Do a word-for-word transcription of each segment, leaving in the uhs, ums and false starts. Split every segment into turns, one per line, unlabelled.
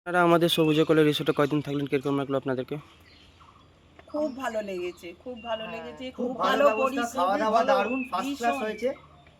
আপনারা আমাদের সবুজে কোলে রিসোর্টে কয়দিন থাকলেন, কিরকম লাগলো আপনাদেরকে?
খুব ভালো লেগেছে, খুব ভালো
হ্যাঁ,
লেগেছে,
খুব
খুব
ভালো
ভালো
ব্যবস্থা, খাওয়া
পরিষেবা,
দাওয়া
ভালো,
দারুণ ফার্স্ট ক্লাস
ভীষণ।
হয়েছে।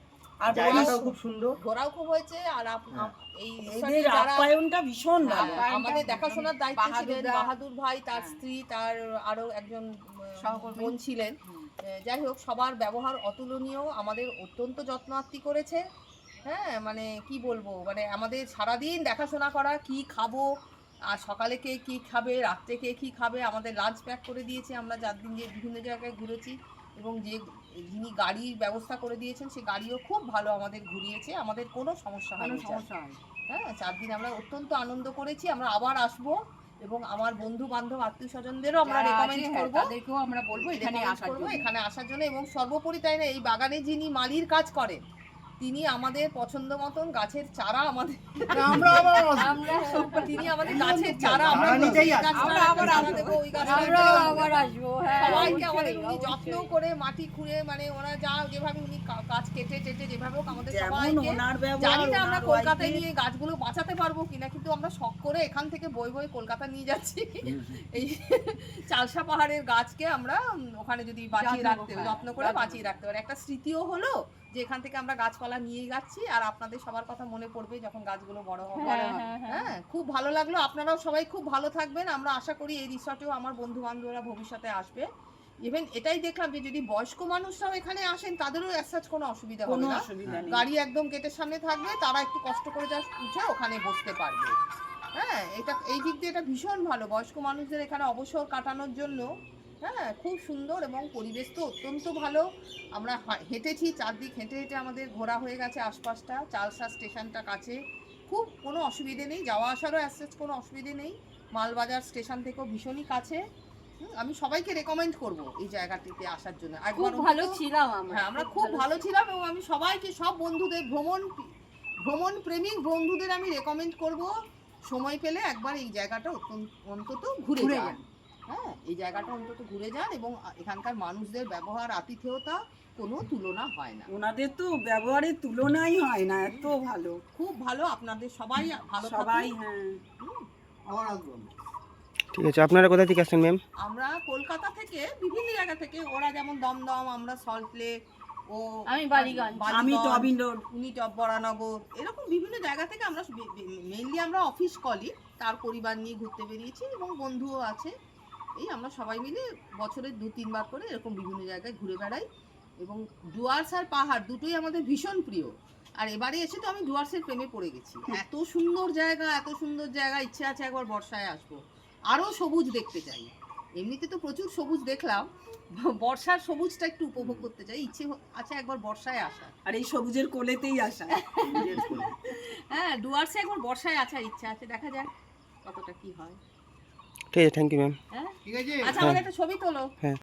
আর
জায়গাটাও
পরিষ-
খুব সুন্দর।
ঘোরাও খুব হয়েছে। আর আপ-
হ্যাঁ।
আপ- এই
এদের
রিসর্টে যারা
আপ্যায়নটা ভীষণ
হ্যাঁ,
ভালো।
আমাদের দেখাশোনার দায়িত্বে ছিলেন
বাহাদুররা,
বাহাদুর ভাই, তার
হ্যাঁ।
স্ত্রী, তার আরো একজন উম,
সহকর্মী।
বোন ছিলেন।
হুম।
আহ, যাই হোক, সবার ব্যবহার অতুলনীয়, আমাদের অত্যন্ত যত্নার্থী করেছে। হ্যাঁ, মানে কি বলবো, মানে আমাদের সারাদিন দেখাশোনা করা, কি খাবো, আর সকালে কে কী খাবে, রাত্রে কে কী খাবে, আমাদের লাঞ্চ প্যাক করে দিয়েছে। আমরা চার দিন যে বিভিন্ন জায়গায় ঘুরেছি, এবং যে যিনি গাড়ির ব্যবস্থা করে দিয়েছেন সে গাড়িও খুব ভালো আমাদের ঘুরিয়েছে, আমাদের কোনো সমস্যা হয়নি। হ্যাঁ, চার দিন আমরা অত্যন্ত আনন্দ করেছি। আমরা আবার আসবো, এবং আমার বন্ধু বান্ধব আত্মীয় স্বজনদেরও আমরা রেকমেন্ড করবো,
তাদেরকেও আমরা বলবো এখানে
recommend
আসার
করবো
জন্য।
এখানে আসার জন্য। এবং সর্বোপরি তাই না, এই বাগানে যিনি মালির কাজ করেন, তিনি আমাদের পছন্দ মতন গাছের চারা আমাদের
আমরা আবার
আমরা তিনি আমাদের গাছের চারা আমরা
বাগানেতেই
এই
আসবো।
গাছটা
আমরা আবার
চারা
আসবো।
দেবো, ওই গাছটা
আমরাও
দেবো।
আবার আসবো, হ্যাঁ,
সবাইকে
অবশ্যই,
আমাদের উনি
অবশ্যই।
যত্ন করে মাটি খুঁড়ে, মানে ওরা যা যেভাবে উনি কা- গাছ কেটে টেটে যেভাবে হোক আমাদের
যেমন
সবাইকে,
ওনার ব্যবহার,
জানি না আমরা
ওনার
কলকাতায়
wife-এর-
নিয়ে গাছগুলো বাঁচাতে পারবো কিনা, কিন্তু আমরা শখ করে এখান থেকে বই বই কলকাতা নিয়ে যাচ্ছি। এই চালসা পাহাড়ের গাছকে আমরা উম, ওখানে যদি বাঁচিয়ে
যত্ন
রাখতে
করে,
যত্ন করে
যত্ন
বাঁচিয়ে রাখতে পারি, একটা স্মৃতিও হলো যে এখান থেকে আমরা গাছপালা নিয়ে যাচ্ছি, আর আপনাদের সবার কথা মনে পড়বে যখন গাছগুলো বড় হবে। হ্যাঁ, খুব ভালো লাগলো। আপনারাও সবাই খুব ভালো থাকবেন। আমরা আশা করি এই রিসর্টেও আমার বন্ধু বান্ধবরা ভবিষ্যতে আসবে। ইভেন এটাই দেখলাম যে যদি বয়স্ক মানুষরাও এখানে আসেন, তাদেরও অ্যাসাজ কোনো অসুবিধা হবে
কোনো
না।
অসুবিধা নেই।
গাড়ি একদম গেটের সামনে থাকবে, তারা একটু কষ্ট করে যা উঠে ওখানে বসতে পারবে। হ্যাঁ, এটা এই দিক দিয়ে এটা ভীষণ ভালো, বয়স্ক মানুষদের এখানে অবসর কাটানোর জন্য। হ্যাঁ, খুব সুন্দর, এবং পরিবেশ তো অত্যন্ত ভালো। আমরা হা- হেঁটেছি, চারদিক হেঁটে হেঁটে আমাদের ঘোরা হয়ে গেছে আশপাশটা, চালসা স্টেশনটা কাছে, খুব কোনো অসুবিধে নেই, যাওয়া আসারও অ্যাসেস কোনো অসুবিধে নেই। মালবাজার স্টেশন থেকেও ভীষণই কাছে। হুম, আমি সবাইকে রেকমেন্ড করব এই জায়গাটিতে আসার জন্য।
খুব
একবার
ভালো
অন্তত-
ছিলাম আমরা।
হ্যাঁ, আমরা খুব ভালো ছিলাম, এবং আমি সবাইকে, সব বন্ধুদের, ভ্রমণ ভ্রমণ প্রেমিক বন্ধুদের আমি রেকমেন্ড করব সময় পেলে একবার এই জায়গাটা অত্যন্ত- অন্তত ঘুরে
ঘুরে
যান।
যান।
হ্যাঁ, এই জায়গাটা অন্তত ঘুরে যান, এবং এখানকার মানুষদের ব্যবহার, আতিথেয়তা কোনো তুলনা হয় না।
ওনাদের তো ব্যবহারের তুলনাই হয় না, এত ভালো
খুব ভালো, আপনাদের সবাই ভালো
সবাই।
থাকুন।
হ্যাঁ,
আবার আসবো।
ঠিক আছে, আপনারা কোথা থেকে আসছেন ম্যাম?
আমরা কলকাতা থেকে, বিভিন্ন জায়গা থেকে, ওরা যেমন দমদম, আমরা সল্টলেক, ও
আমি বালিগঞ্জ, আমি টবিন রোড।
উনি টপ বরানগর, এরকম বিভিন্ন জায়গা থেকে আমরা, মেইনলি আমরা অফিস কলি, তার পরিবার নিয়ে ঘুরতে বেরিয়েছি, এবং বন্ধুও আছে। এই আমরা সবাই মিলে বছরে দু তিনবার করে এরকম বিভিন্ন জায়গায় ঘুরে বেড়াই, এবং ডুয়ার্স আর পাহাড় দুটোই আমাদের ভীষণ প্রিয়। আর এবারে এসে তো আমি ডুয়ার্সের প্রেমে পড়ে গেছি। এত সুন্দর জায়গা, এত সুন্দর জায়গা, ইচ্ছে আছে একবার বর্ষায় আসবো, আরও সবুজ দেখতে চাই। এমনিতে তো প্রচুর সবুজ দেখলাম, বর্ষার সবুজটা একটু উপভোগ করতে চাই, ইচ্ছে আছে একবার বর্ষায় আসা।
আর এই সবুজের কোলেতেই আসা।
হ্যাঁ, ডুয়ার্সে একবার বর্ষায় আসার ইচ্ছা আছে, দেখা যাক কতটা কি হয়।
ঠিক আছে, থ্যাংক ইউ ম্যাম।
হ্যাঁ,
ঠিক আছে।
আচ্ছা, আমাদের একটা ছবি তোলো।
হ্যাঁ।